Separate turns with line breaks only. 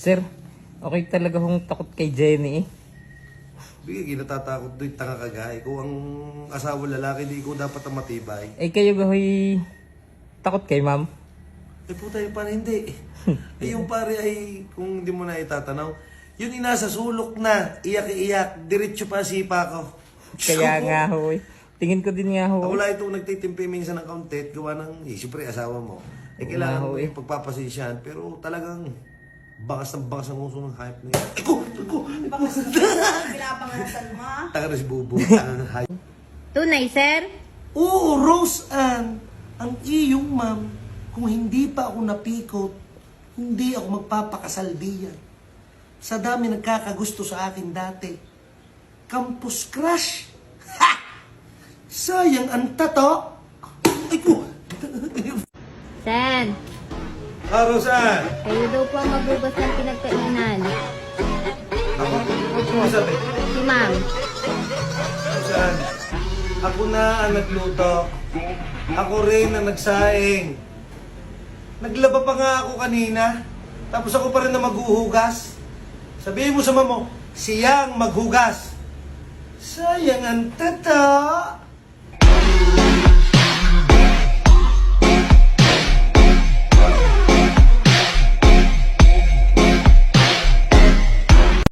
Sir, okay talaga hong takot kay Jenny eh.
Bigay, natatakot do'y tanga kagay. Kung ang asawa lalaki, di ko dapat ang matibay.
Eh kayo gahoy takot kay ma'am?
Eh puta yung pare, hindi. Eh yung pare ay, kung hindi mo na itatanaw, yun inasa sulok na, iyak-iyak, diretso pa sipa ko.
Kaya nga ho eh. Tingin ko din nga ho.
Wala itong nagtitimpi minsan ng kauntit, gawa ng, siyempre asawa mo. Eh kailangan mo yung pagpapasensyahan, pero talagang bangas ang uso ng hype na yan.
Bangas na pinapangarasan mo.
Taka na si Bubo, tangang hype.
Tunay, sir?
Oo, Rose Ann, ang iyong ma'am, kung hindi pa ako napikot, hindi ako magpapakasal diyan. Sa dami nagkakagusto sa akin dati. Campus crush. Ha! Sayang ang tato. Ay po.
Sen,
Rose Ann.
kayo daw po ang magbugas ng pinagkainan.
Ako? Ano sabi?
Si ma'am.
Rose Ann, ako na ang nagluto. Ako rin ang nagsaing. Naglaba pa nga ako kanina. Tapos ako pa rin na maghuhugas. Sabihin mo sa mama mo, siyang maghugas. Sayang ang tata.